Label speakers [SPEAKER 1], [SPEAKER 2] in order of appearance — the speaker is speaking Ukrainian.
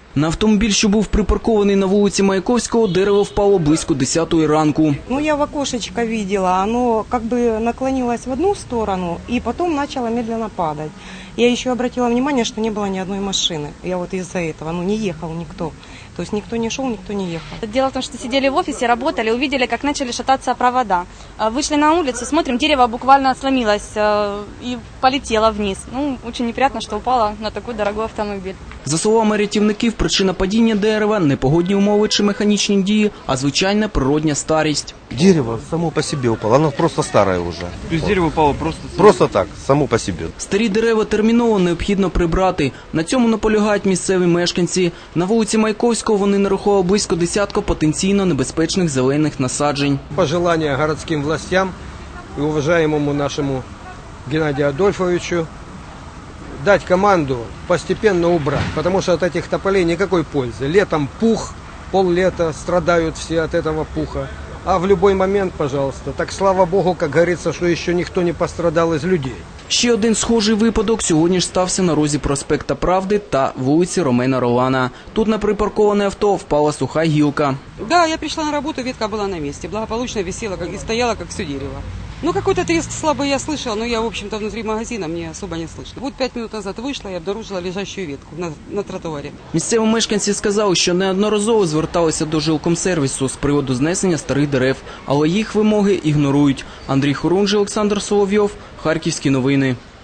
[SPEAKER 1] На автомобіль, що був припаркований на вулиці Маяковського, дерево впало близько 10-ї ранку.
[SPEAKER 2] Я в окошечко видела, оно как бы наклонилось в одну сторону и потом начало медленно падать. Я еще обратила внимание, что не было ни одной машины. Я вот из-за этого, не ехал никто. То есть никто не шел, никто не ехал.
[SPEAKER 3] Дело в том, что сидели в офисе, работали, увидели, как начали шататься провода. Вышли на улицу, смотрим, дерево буквально сломилось и полетело вниз. Очень неприятно, что упало на такой дорогой автомобиль.
[SPEAKER 1] За словами рятівників, причина падіння дерева – не погодні умови чи механічні дії, а звичайна природня старість.
[SPEAKER 4] Дерево само по себе упало, оно просто старое уже.
[SPEAKER 5] То есть дерево упало просто...
[SPEAKER 4] Просто так, само по себе.
[SPEAKER 1] Старі дерева терміново необхідно прибрати. На цьому наполягають місцеві мешканці. На вулиці Маяковського вони нарахували близько десятка потенційно небезпечних зелених насаджень.
[SPEAKER 6] Пожелания городским властям и уважаемому нашему Геннадию Адольфовичу дать команду постепенно убрать, потому что от этих тополей никакой пользы. Летом пух, пол-лета страдают все от этого пуха. А в любой момент, пожалуйста. Так слава Богу, как говорится, что еще никто не пострадал из людей.
[SPEAKER 1] Ще один схожий випадок сьогодні ж стався на розі проспекта Правди та вулиці Ромена Ролана. Тут на припарковане авто впала суха гілка.
[SPEAKER 7] Да, я пришла на работу, ветка была на месте, благополучно висела и стояла, как все дерево. Какой-то треск слабый я слышала, но я, в общем-то, внутри магазина, мне особо не слышно. Вот 5 минут назад вышла и обнаружила лежащую ветку на тротуаре.
[SPEAKER 1] Місцеві мешканці сказали, що неодноразово зверталися до жилкомсервісу з приводу знесення старих дерев, але їх вимоги ігнорують. Андрій Хорунжий, Олександр Соловйов, Харківські новини.